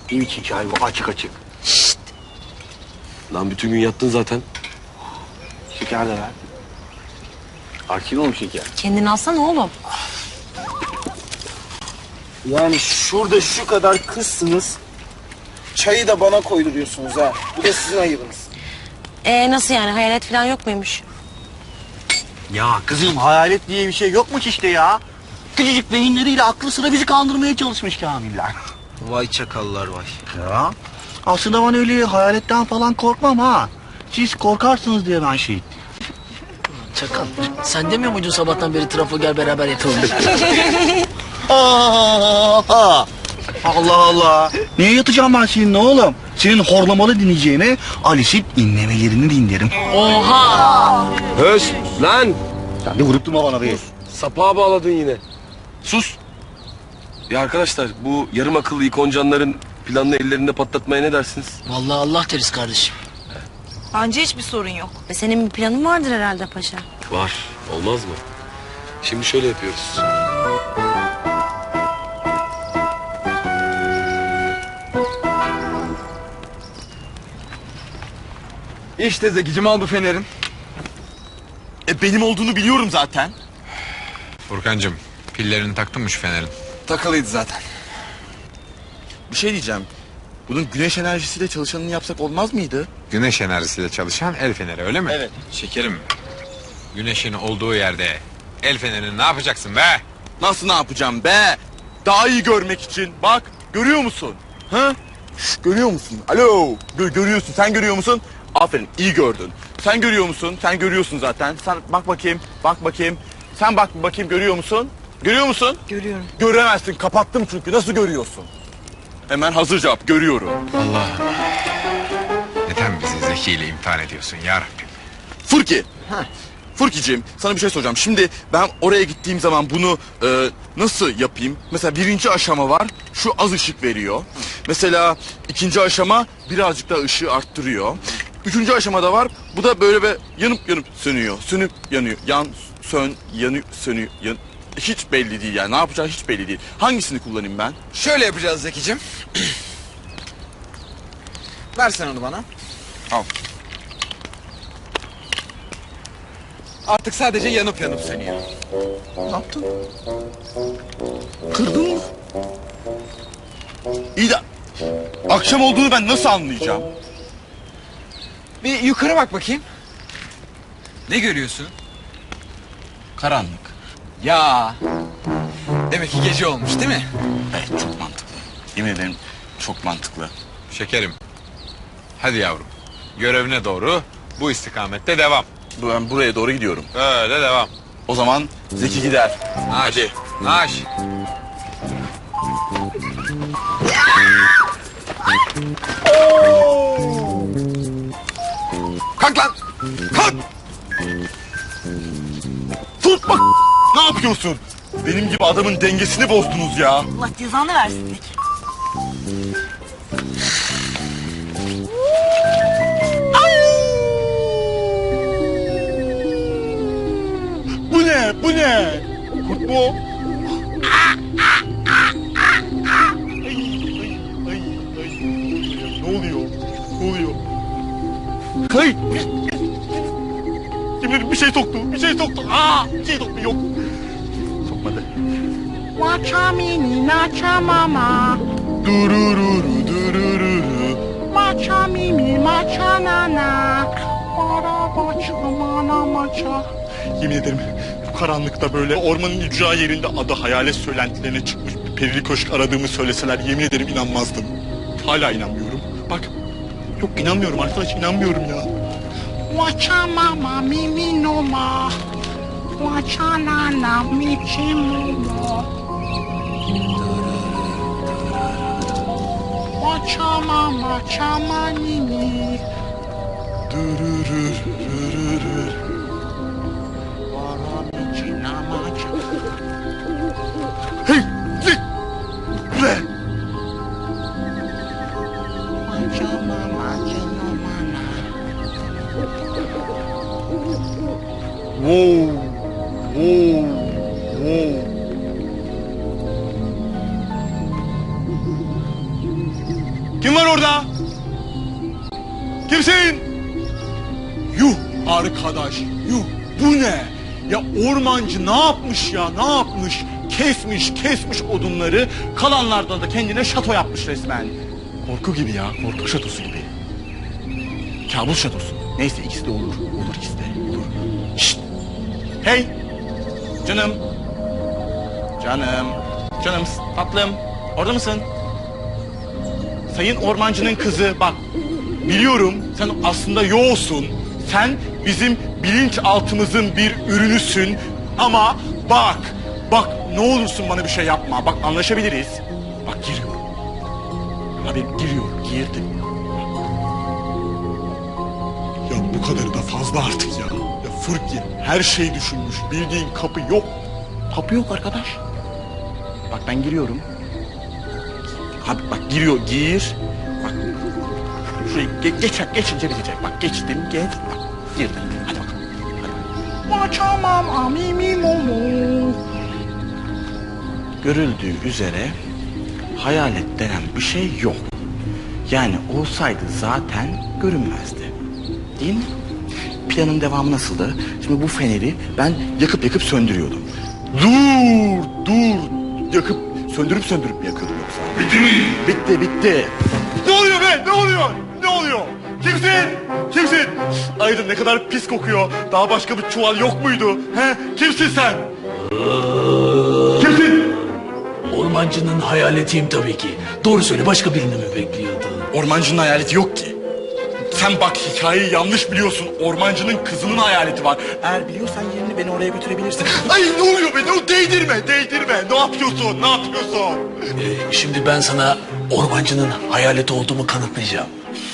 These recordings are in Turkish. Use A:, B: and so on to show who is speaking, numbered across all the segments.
A: Ne biçim çay bu açık açık.
B: Lan bütün gün yattın zaten.
A: Şeker de ver. Arkin oğlum şeker.
C: Kendini alsana oğlum.
D: Yani şurada şu kadar kızsınız. Çayı da bana koyduruyorsunuz ha. Bu da sizin ayıbınız.
C: Nasıl yani hayalet falan yok muymuş?
A: Ya kızım hayalet diye bir şey yokmuş işte ya. Küçücük beyinleriyle aklı sıra bizi kandırmaya çalışmış Kamiller.
D: Vay çakallar vay.
A: Ya aslında ben öyle hayaletten falan korkmam ha. Siz korkarsınız diye ben şey ettim.
E: Çakal, sen demiyor muydun sabahtan beri trafo gel beraber yatalım?
A: Allah Allah. Niye yatacağım ben seninle oğlum? Senin horlamalı dinleyeceğine Alice'in inlemelerini dinlerim.
E: Oha!
B: Höş lan.
A: Sen de vurup durma bana be.
B: Sapağa bağladın yine. Sus. Ya arkadaşlar bu yarım akıllı ikoncanların planını ellerinde patlatmaya ne dersiniz?
E: Vallahi Allah deriz kardeşim.
C: Bence hiçbir sorun yok. Senin bir planın vardır herhalde paşa.
B: Var. Olmaz mı? Şimdi şöyle yapıyoruz.
F: İşte Zekicim al bu fenerin.
D: Benim olduğunu biliyorum zaten.
G: Furkancığım, pillerini taktın mı şu fenerin?
F: Takılıydı zaten.
D: Bir şey diyeceğim. Bunun güneş enerjisiyle çalışanını yapsak olmaz mıydı?
G: Güneş enerjisiyle çalışan el feneri öyle mi?
D: Evet.
G: Şekerim, güneşin olduğu yerde el fenerini ne yapacaksın be?
D: Nasıl ne yapacağım be? Daha iyi görmek için. Bak görüyor musun? Ha? Şş, görüyor musun? Alo. Görüyorsun. Sen görüyor musun? Aferin iyi gördün. Sen görüyor musun? Sen görüyorsun zaten. Sen bak bakayım. Bak bakayım. Sen bak bakayım görüyor musun? Görüyor musun?
C: Görüyorum.
D: Göremezsin. Kapattım çünkü. Nasıl görüyorsun? Hemen hazır cevap. Görüyorum.
G: Allah. Neden bizi Zeki ile imtihan ediyorsun ya Rabbim?
D: Furki. Furkiciğim sana bir şey soracağım. Şimdi ben oraya gittiğim zaman bunu nasıl yapayım? Mesela birinci aşama var. Şu az ışık veriyor. Mesela ikinci aşama birazcık daha ışığı arttırıyor. Üçüncü aşamada var. Bu da böyle yanıp yanıp sönüyor. Sönüp yanıyor. Yan, sön, yanıyor, sönüyor. Hiç belli değil yani. Ne yapacağı hiç belli değil. Hangisini kullanayım ben?
F: Şöyle yapacağız Zekicim. Ver sen onu bana.
D: Al.
F: Artık sadece yanıp yanıp sönüyor.
D: Ne yaptın? Kırdın mı? İyi de akşam olduğunu ben nasıl anlayacağım?
F: Bir yukarı bak bakayım. Ne görüyorsun?
D: Karanlık.
F: Ya. Demek ki gece olmuş değil mi?
D: Evet çok mantıklı. Yemin ederim çok mantıklı.
G: Şekerim, hadi yavrum. Görevine doğru bu istikamette devam.
D: Ben buraya doğru gidiyorum.
G: Öyle devam.
D: O zaman Zeki gider.
G: Naş,
D: Hadi.
G: naş.
D: Kalk lan! Kalk! Tut bak! Ne yapıyorsun? Benim gibi adamın dengesini bozdunuz ya.
C: Allah cezanı versin Zeki.
D: Bu ne? Bu ne? Kurt mu o? Ne oluyor? Ne oluyor? Kay! Yemin ederim bir şey soktu. Bir şey soktu. Bir şey soktu. Yok. Sokmadı.
H: Watcha mini nacha mama,
D: Durururu durururu.
H: matcha mimi matcha nana, para bacha mana macha.
D: Yemin ederim bu karanlıkta böyle ormanın ücra yerinde adı hayalet söylentilerine çıkmış bir perili köşk aradığımı söyleseler yemin ederim inanmazdım. Hala inanmıyorum. Bak yok inanmıyorum arkadaş inanmıyorum ya.
H: Watcha mama mimi no ma, watcha nana michi momo. Watcha mama chama nini,
D: Durururu.
H: para michi namacha.
D: Hey! Hey! Ne?
H: Watcha mama chino mana.
D: Wow! Wow! Wow! Kimsin? Yuh arkadaş, yuh. Bu ne? Ya ormancı ne yapmış ya, ne yapmış? Kesmiş odunları, kalanlardan da kendine şato yapmış resmen. Korku gibi ya, korku şatosu gibi. Kabus şatosu. Neyse ikisi de olur, olur ikisi de, olur. Şşt! Hey! Canım! Canım, tatlım, orada mısın? Sayın ormancının kızı, bak, biliyorum sen aslında yoğsun. Sen bizim bilinçaltımızın bir ürünüsün. Ama bak ne olursun bana bir şey yapma. Bak anlaşabiliriz. Bak giriyorum. Abi girdim. Ya bu kadarı da fazla artık ya. Ya Furki her şeyi düşünmüş. Bildiğin kapı yok. Kapı yok arkadaş. Bak ben giriyorum. Abi bak gir. Bak şurayı geçince bitecek. Bak geçtim, geç. Bak girdim. Hadi bakalım. Görüldüğü üzere hayalet denen bir şey yok. Yani olsaydı zaten görünmezdi. Değil mi? Planın devamı nasıldı? Şimdi bu feneri ben yakıp söndürüyordum. Dur. Yakıp söndürüp mi yakıyordum yoksa? Bitti mi? Bitti. Ne oluyor be? Ne oluyor? Kimsin? Aydın ne kadar pis kokuyor. Daha başka bir çuval yok muydu? He? Kimsin sen? Kimsin?
E: Ormancının hayaletiyim tabii ki. Doğru söyle, başka birini mi bekliyordun?
D: Ormancının hayaleti yok ki. Sen bak hikayeyi yanlış biliyorsun. Ormancının kızının hayaleti var. Eğer biliyorsan yerini beni oraya götürebilirsin. Ay ne oluyor be? Değdirme. Ne yapıyorsun?
E: Şimdi ben sana ormancının hayaleti olduğumu kanıtlayacağım.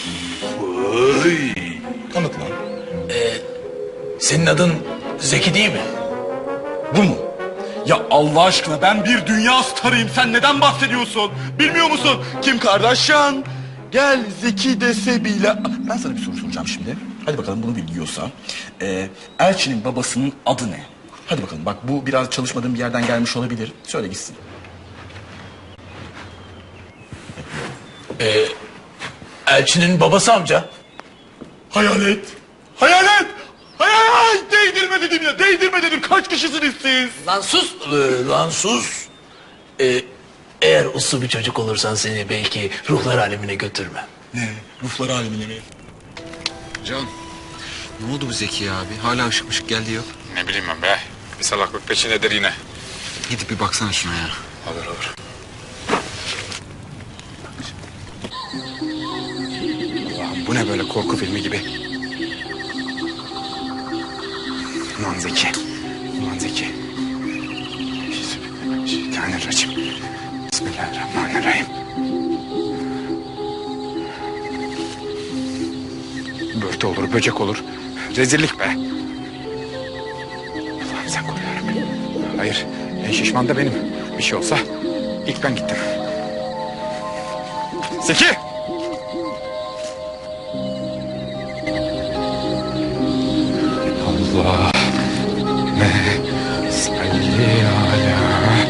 D: Kanıtla.
E: Senin adın Zeki değil mi?
D: Bu mu? Ya Allah aşkına ben bir dünya starıyım. Sen neden bahsediyorsun? Bilmiyor musun? Kim Kardashian? Gel Zeki dese bile... Ben sana bir soru soracağım şimdi. Hadi bakalım bunu biliyorsa. Elçinin babasının adı ne? Hadi bakalım bak bu biraz çalışmadığım bir yerden gelmiş olabilir. Söyle gitsin.
E: Elçinin babası amca.
D: Hayalet! Değdirme dedim. Kaç kişisiniz siz?
E: Lan sus. Eğer uslu bir çocuk olursan seni belki ruhlar alemine götürmem.
D: Ne? Ruhlar alemine mi?
F: Can, ne oldu bu Zeki abi? Hala ışık geldi yok.
G: Ne bileyim ben be. Bir salaklık peşindedir yine.
F: Gidip bir baksana şuna ya.
G: Olur. Allah'ım bu ne böyle korku filmi gibi. Ulan Zeki. Bismillahirrahmanirrahim. Bismillahirrahmanirrahim. Börtü olur, böcek olur. Rezillik be. Allah'ım sen koru yarabbim. Hayır, en şişman da benim. Bir şey olsa ilk ben gittim. Zeki! Allah salli ala.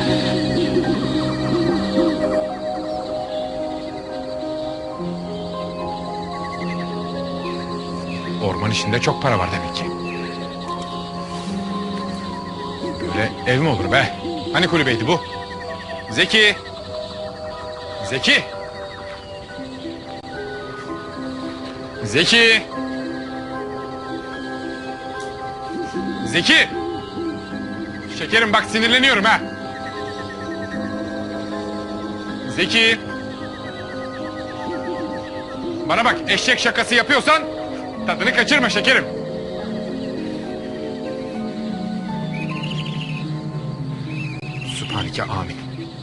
G: Orman işinde çok para var demek ki. Böyle ev mi olur be? Hani kulübeydi bu? Zeki! Zeki! Zeki! Zeki! Şekerim bak sinirleniyorum ha. Zeki! Bana bak eşek şakası yapıyorsan tadını kaçırma şekerim. Sübhaneke amin.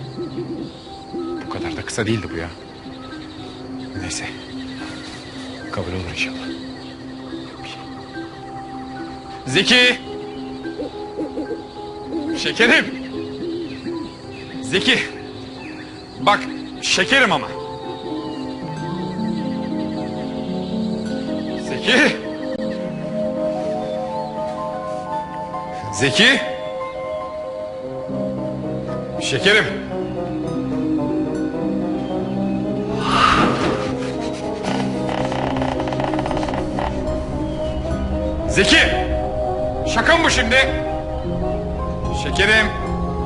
G: Bu kadar da kısa değildi bu ya. Neyse. Kabul olur inşallah. Zeki! Şekerim! Zeki! Bak şekerim ama. Zeki! Zeki! Şekerim! Zeki! Şaka mı bu şimdi? Şekerim.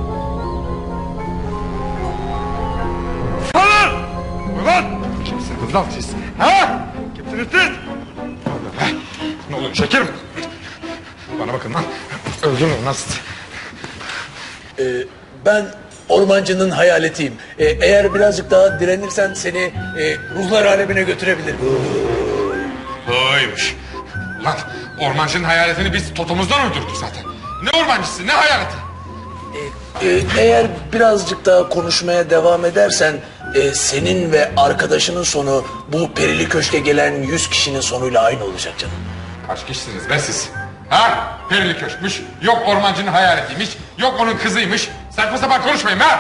G: Ulan! Ulan! Kimsiniz lan siz? Ha? Kimsiniz siz? Ne oluyor şekerim? Bana bakın lan. Öldürün lan sizi.
E: Ben ormancının hayaletiyim. Eğer birazcık daha direnirsen seni ruhlar alemine götürebilirim.
G: Oymuş. Lan ormancının hayaletini biz totomuzdan uydurduk zaten. Ne ormancısı ne hayaleti?
E: Eğer birazcık daha konuşmaya devam edersen senin ve arkadaşının sonu bu perili köşke gelen 100 kişinin sonuyla aynı olacak canım.
G: Kaç kişisiniz be siz? Ha? Perili köşkmüş, yok ormancının hayaletiymiş, yok onun kızıymış. Saçma sapan konuşmayın ha!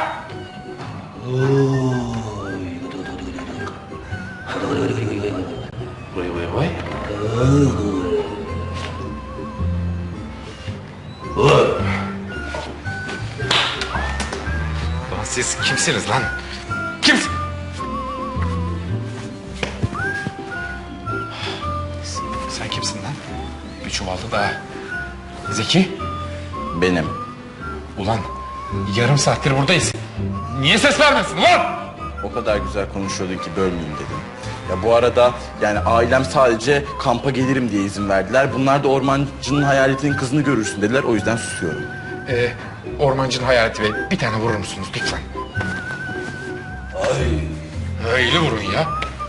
G: Lan siz kimsiniz lan? Kimsiniz? Sen kimsin lan? Bir çuvaldı da. Zeki?
D: Benim.
G: Ulan yarım saattir buradayız. Niye ses vermiyorsun ulan?
D: O kadar güzel konuşuyordun ki bölmeyeyim dedim. Ya bu arada yani ailem sadece kampa gelirim diye izin verdiler. Bunlar da ormancının hayaletinin kızını görürsün dediler. O yüzden susuyorum.
G: Ormancının hayaleti bey bir tane vurur musunuz lütfen? Öyle vurun ya.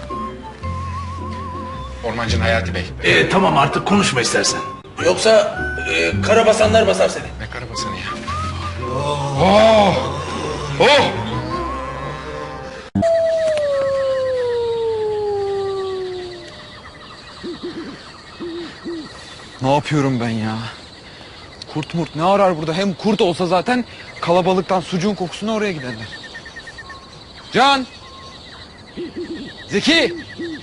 G: Ormancının hayaleti bey.
E: Tamam artık konuşma istersen. Yoksa karabasanlar basar seni.
G: Ne karabasanı ya? Oh! Oh!
F: Ne yapıyorum ben ya? Kurt murt ne arar burada? Hem kurt olsa zaten kalabalıktan sucuğun kokusuna oraya giderler. Can! Zeki!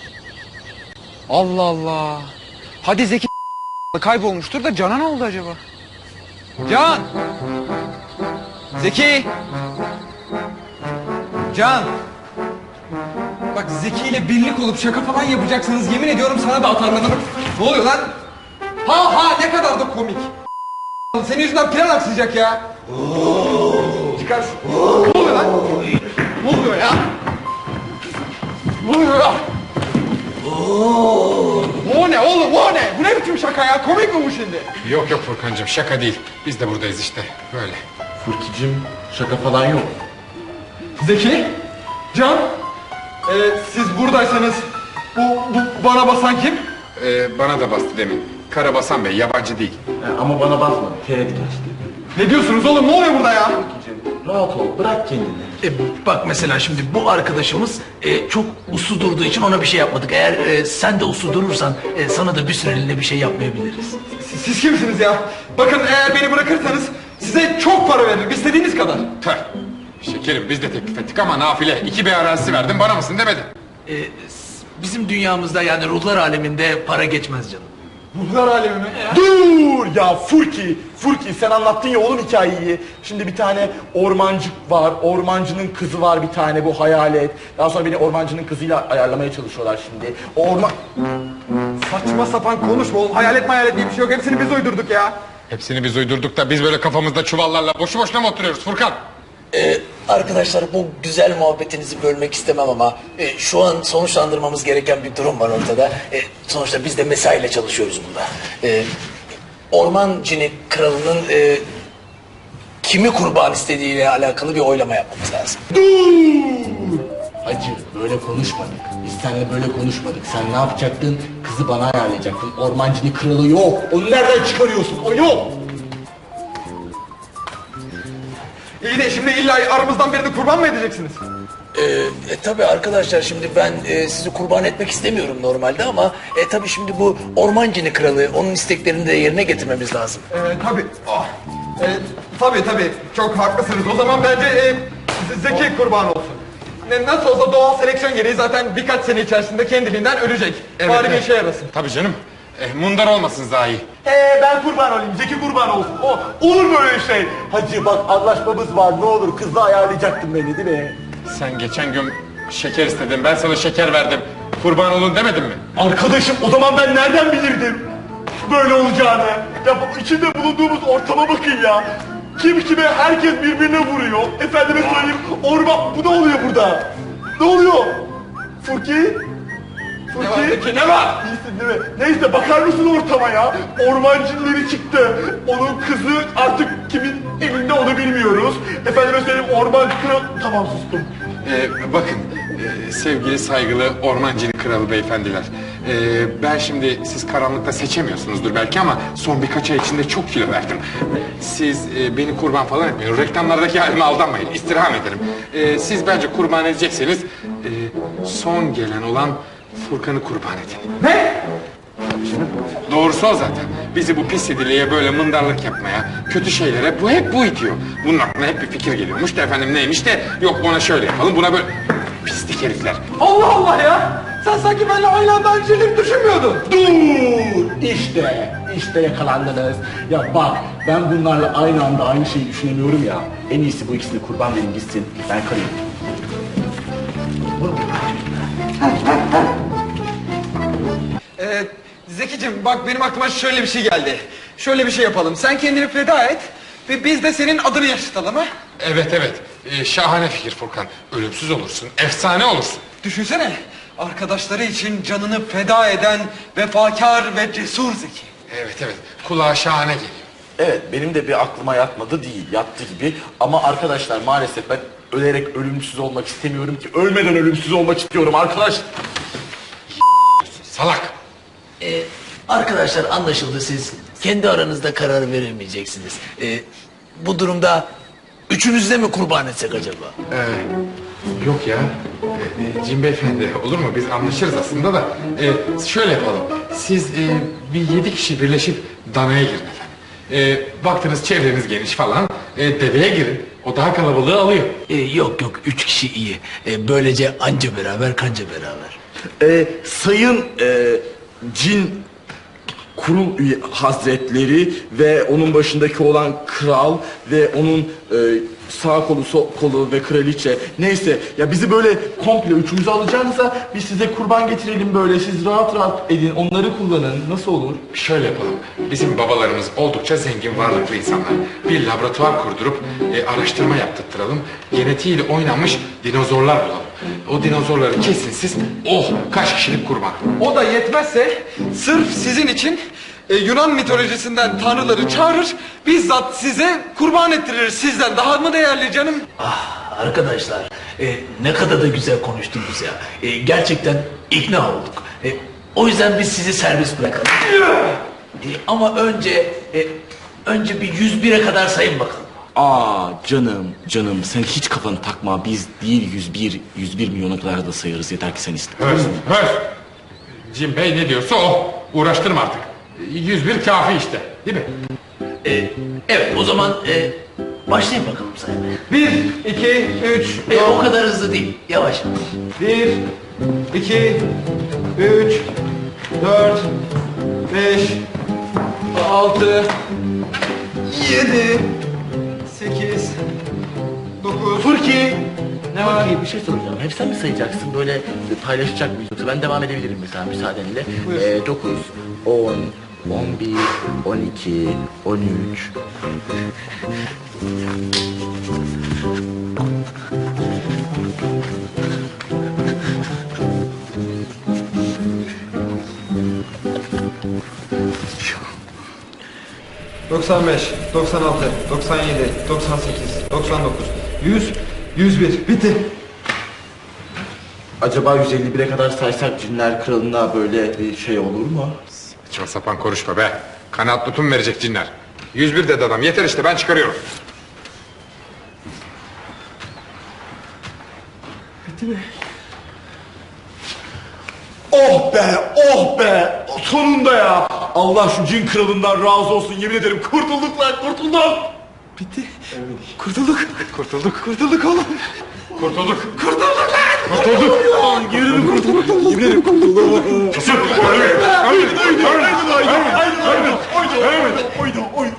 F: Allah Allah! Hadi Zeki kaybolmuştur da Can'a ne oldu acaba? Can! Zeki! Can! Bak Zeki ile birlik olup şaka falan yapacaksınız. Yemin ediyorum sana da atarlanırım. Ne oluyor lan? Ha ne kadar da komik. Senin yüzünden plan aksayacak ya. Çıkar şu. Ne oluyor lan? Ne oluyor ya? Ne oluyor ya? O ne oğlum o ne? Bu ne biçim şaka ya? Komik mi bu şimdi?
G: Yok yok Furkancığım şaka değil. Biz de buradayız işte böyle.
D: Furkicim şaka falan yok.
F: Zeki, Can, siz buradaysanız bu bana basan kim?
G: Bana da bastı demin. Karabasan Bey yabancı değil.
D: Ama bana basma. Teğet geçti.
F: Ne diyorsunuz oğlum? Ne oluyor burada ya?
D: Rahat ol. Bırak kendini.
E: Bak mesela şimdi bu arkadaşımız çok uslu durduğu için ona bir şey yapmadık. Eğer sen de uslu durursan sana da bir süreliğine bir şey yapmayabiliriz.
F: Siz kimsiniz ya? Bakın eğer beni bırakırsanız size çok para veririm. İstediğiniz kadar.
G: Tüh. Şekerim biz de teklif ettik ama nafile. 2 bey arazisi verdin bana mısın demedin.
E: Bizim dünyamızda yani ruhlar aleminde para geçmez canım.
F: Ruhlar alemi mi?
D: Dur ya Furki. Furki sen anlattın ya oğlum hikayeyi. Şimdi bir tane ormancı var. Ormancının kızı var bir tane bu hayalet. Daha sonra beni ormancının kızıyla ayarlamaya çalışıyorlar şimdi.
F: Saçma sapan konuşma oğlum. Hayalet diye bir şey yok. Hepsini biz uydurduk ya.
G: Hepsini biz uydurduk da biz böyle kafamızda çuvallarla boşu boşuna mı oturuyoruz Furkan?
E: Arkadaşlar bu güzel muhabbetinizi bölmek istemem ama şu an sonuçlandırmamız gereken bir durum var ortada. Sonuçta biz de mesaiyle çalışıyoruz burada. Orman cini kralının kimi kurban istediğiyle alakalı bir oylama yapmamız lazım.
I: Hacı böyle konuşmadık. Biz seninle böyle konuşmadık. Sen ne yapacaktın? Kızı bana ayarlayacaktın. Ormancının kralı yok. Onu nereden çıkarıyorsun? O yok.
F: İyi de şimdi illa aramızdan birini kurban mı edeceksiniz?
E: Tabii arkadaşlar şimdi ben sizi kurban etmek istemiyorum normalde ama tabii şimdi bu orman cini kralı onun isteklerini de yerine getirmemiz lazım.
F: Tabii. Tabii. Çok haklısınız. O zaman bence Zeki kurban olsun. Nasıl olsa doğal seleksiyon gereği zaten birkaç sene içerisinde kendiliğinden ölecek. Bari bir işe yarasın.
G: Tabii canım. Mundar olmasın zahi.
D: Ben kurban olayım. Zeki kurban olsun. Olur mu öyle şey? Hacı bak anlaşmamız var. Ne olur kızla ayarlayacaktın beni değil mi?
G: Sen geçen gün şeker istedin. Ben sana şeker verdim. Kurban olun demedin mi?
D: Arkadaşım o zaman ben nereden bilirdim? böyle olacağını. Ya içinde bulunduğumuz ortama bakın ya. Kim kime, herkes birbirine vuruyor. Efendime söyleyeyim, orman, bu ne oluyor burada? Ne oluyor? Furki? Furki?
F: Ne var?
D: İyisin değil mi? Neyse, bakar mısın ortama ya? Orman cinleri çıktı. Onun kızı artık kimin elinde onu bilmiyoruz. Efendime söyleyeyim, orman kral... Tamam, sustum.
G: Bakın sevgili saygılı ormancının kralı beyefendiler. Ben şimdi siz karanlıkta seçemiyorsunuzdur belki ama son birkaç ay içinde çok kilo verdim. Siz beni kurban falan etmeyin. Reklamlardaki halime aldanmayın. İstirham ederim. Siz bence kurban edecekseniz son gelen olan Furkan'ı kurban edin.
F: Ne?
G: Doğrusu o zaten. Bizi bu pis idilliğe böyle mındarlık yapmaya, kötü şeylere hep bu itiyor. Bunun aklına hep bir fikir geliyormuş da efendim neymiş de yok ona şöyle yapalım buna böyle... Pislik herifler.
F: Allah Allah ya! Sen sanki benimle aynı anda aynı şeyleri düşünmüyordun.
I: Dur! İşte yakalandınız. Ya bak, ben bunlarla aynı anda aynı şeyi düşünemiyorum ya. En iyisi bu ikisini kurban verin gitsin. Ben kalayım.
F: Zekicim bak benim aklıma şöyle bir şey geldi. Şöyle bir şey yapalım. Sen kendini feda et ve biz de senin adını yaşatalım ha.
G: Evet. Şahane fikir Furkan. Ölümsüz olursun, efsane olursun.
F: Düşünsene. Arkadaşları için canını feda eden vefakar ve cesur Zeki.
G: Evet. Kulağa şahane geliyor.
D: Evet, benim de bir aklıma yatmadı değil, yattı gibi. Ama arkadaşlar maalesef ben ölerek ölümsüz olmak istemiyorum ki. Ölmeden ölümsüz olmak istiyorum arkadaş.
G: Salak.
E: Arkadaşlar anlaşıldı, siz kendi aranızda karar veremeyeceksiniz. Bu durumda üçünüzü de mi kurban etsek acaba?
G: Yok ya. Cim beyefendi olur mu? Biz anlaşırız aslında da. Şöyle yapalım. Siz bir 7 kişi birleşip danaya girin efendim. Baktınız çevreniz geniş falan. Deveye girin. O daha kalabalığı alıyor.
E: Yok, 3 kişi iyi. Böylece anca beraber kanca beraber.
D: Sayın cin kurul üye hazretleri ve onun başındaki olan kral ve onun sağ kolu, sol kolu ve kraliçe, neyse ya, bizi böyle komple üçümüzü alacağınıza biz size kurban getirelim, böyle siz rahat rahat edin, onları kullanın, nasıl olur?
G: Şöyle yapalım. Bizim babalarımız oldukça zengin, varlıklı insanlar. Bir laboratuvar kurdurup araştırma yaptırtıralım. Genetiğiyle oynanmış dinozorlar bulalım. O dinozorları kesin siz, kaç kişilik kurban.
F: O da yetmezse sırf sizin için Yunan mitolojisinden tanrıları çağırır, bizzat size kurban ettirir. Sizden daha mı değerli canım?
E: Arkadaşlar, ne kadar da güzel konuştunuz ya. Gerçekten ikna olduk. O yüzden biz sizi serbest bırakalım. Ama önce bir 101'e kadar sayın bakalım.
D: Canım sen hiç kafanı takma, biz değil 101 milyona kadar da sayarız, yeter ki sen iste.
G: Höz. Cim Bey ne diyorsa o. Uğraştırma artık. 101 kafi işte. Değil mi?
E: Evet, o zaman başlayın bakalım saymaya.
F: 1, 2, 3,
E: O kadar hızlı değil, yavaş.
F: 1, 2, 3, 4, 5, 6, 7, 8, 9.
I: Furki! Ne var? Bir şey soracağım. Hep sen mi sayacaksın? Böyle paylaşacak mıyız? Yoksa ben devam edebilirim mesela müsaadenle. 9, 10, 11, 12, 13...
F: ...95, 96, 97, 98, 99, 100, 101. Bitti.
I: Acaba 151'e kadar saysak cinler kralına böyle bir şey olur mu?
G: Saçma sapan konuşma be. Kanaat tutum verecek cinler. 101 dedi adam. Yeter işte, ben çıkarıyorum.
D: Oh be! Sonunda ya! Allah şu cin kralından razı olsun, yemin ederim kurtulduk lan, kurtulduk!
F: Bitti. Kurtulduk.
G: Kurtulduk oğlum. Kurtulduk.
D: Yemin ederim kurtulduk. Oydu.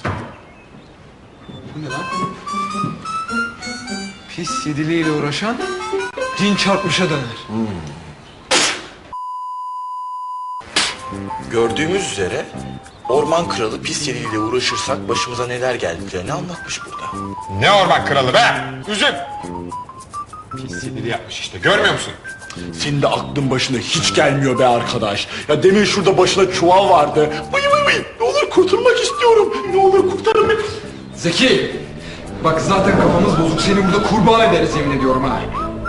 F: Pis yediliğiyle uğraşan cin çarpmışa döner.
D: Gördüğümüz üzere orman kralı pis yeriyle uğraşırsak başımıza neler geldiğini anlatmış burada.
G: Ne orman kralı be? Üzüm. Pis siniri yapmış işte, görmüyor musun?
D: Senin de aklın başına hiç gelmiyor be arkadaş. Ya demin şurada başına çuval vardı. Vıy vıy vıy. Ne olur kurtulmak istiyorum. Ne olur kurtarın beni.
F: Zeki! Bak zaten kafamız bozuk. Seni burada kurban ederiz yemin ediyorum ha.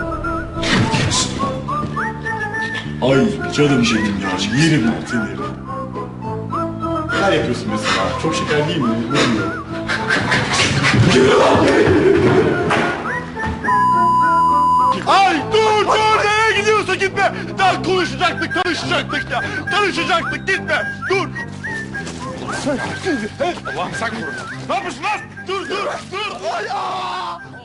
D: Ay canım benim ya. Yerim ben seni. Neler yapıyorsun mesela? Çok şeker değil mi? Bilmiyorum. Ay dur nereye gidiyorsun gitme. Daha konuşacaktık ya. Tanışacaktık gitme. Dur.
G: Allah'ım sen koru.
D: Ne yapıyorsun lan? Dur. Ay aa!